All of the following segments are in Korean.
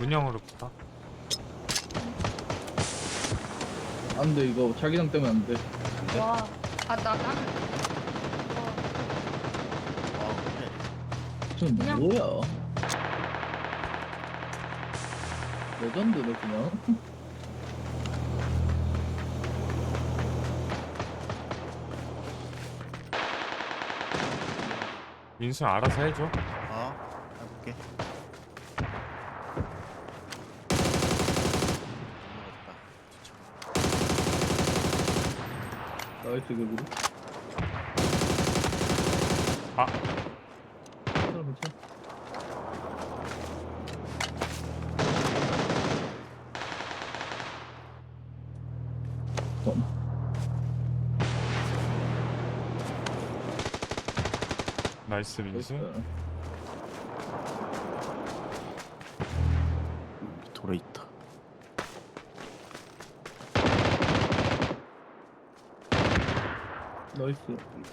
운영으로 붙어. 안 돼, 이거 자기장 때문에 안 돼. 와, 나는 그래. 좀 그냥- 뭐야? 레전드네 그냥. 민수 알아서 해줘. 해볼게. 나이스 그리고. 아, 괜찮아 괜찮아. 나이스 민수. 나이스. 돌에 있다. 나이스.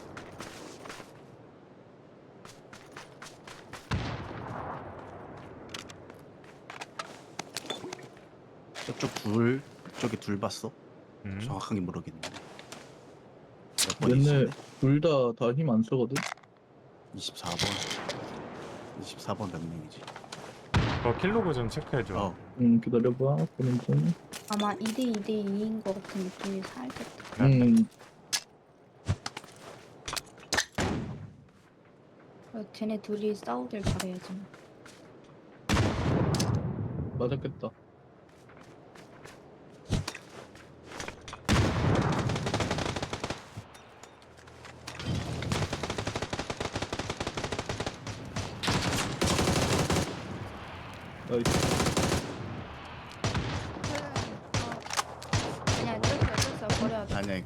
저쪽에 둘 봤어? 정확하게 모르겠네. 몇 번이지? 얘네 둘 다 힘 안 쓰거든. 24번. 24번 몇 명이지? 너 킬로그 좀 체크해줘. 어. 기다려봐. 보는 중. 아마 2대2인 것 같은 느낌이 살짝. 쟤네 둘이 싸우길 바라야지. 맞았겠다. 나이스. 그냥 뜯어 버려야 돼. 아니야.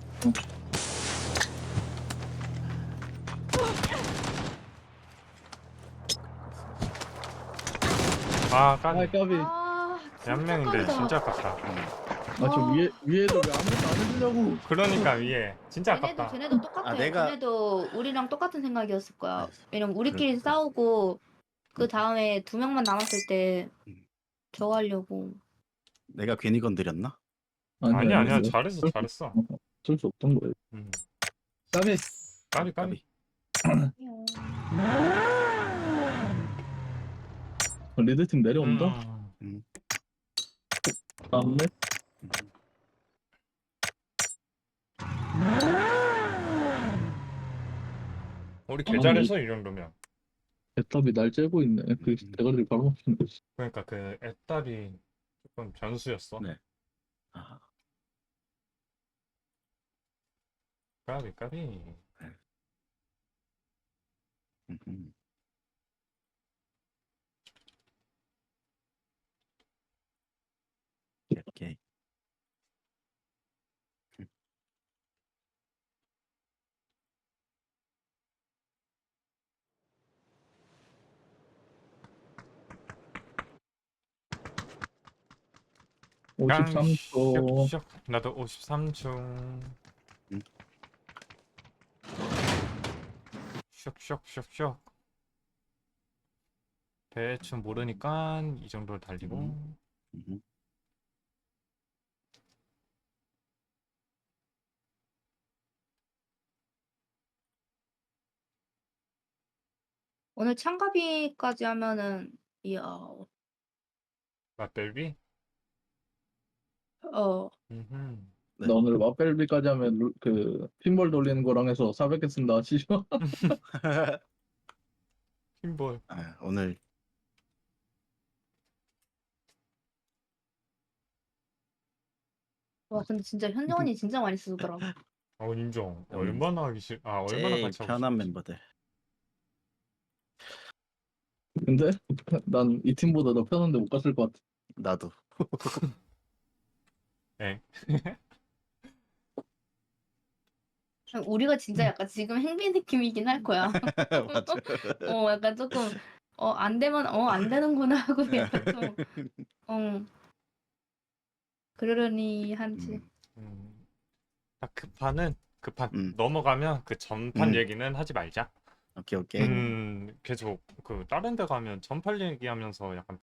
아, 아 까비. 까비. 한 명인데 진짜 아깝다. 저 위에도 왜 아무것도 안 해주냐고. 그러니까 위에 진짜 아깝다. 쟤네도 똑같아. 내가- 쟤네도 우리랑 똑같은 생각이었을 거야. 아, 왜냐면 우리끼리 그렇구나. 싸우고 그 다음에 2명만 남았을 때 음. 저거 하려고. 내가 괜히 건드렸나? 아니야 잘했어. 어쩔 수 없던 거예요. 까비. 까비. 리드팀 내려온다. 다음에 음. 우리 개 잘해서 이 정도면. 애답이 날 째고 있네. 그 대가리를 바로 먹히는 거지. 그러니까 그 애답이 조금 변수였어. 네. 아, 까비. 음. 오케이. 53초. 슉슉. 나도 53초. 음. 슉슉슉슉. 대충 모르니까 이 정도를 달리고. 음. 오늘 창가비까지 하면은 이야. 맛벨비? 음흠. 네. 나 오늘 마벨비까지 하면 그 핀볼 돌리는 거랑 해서 400개 쓴다 치죠. 핀볼. 오늘 와 근데 진짜 현정언니 진짜 많이 쓰더라고. 인정. 얼마나 하기 싫. 얼마나 제일 같이 하고 편한 싶지. 멤버들. 근데 난 이 팀보다 더 편한데 못 갔을 것 같아. 나도. 네. 우리가 진짜 약간 지금 행비 느낌이긴 할 거야. 맞아. 약간 조금 안 되면 안 되는구나 하고 약간 좀 그러려니 한지. 딱 급한 음. 넘어가면 그 전판 음. 얘기는 하지 말자. 오케이. 계속 그 다른 데 가면 전판 얘기하면서 약간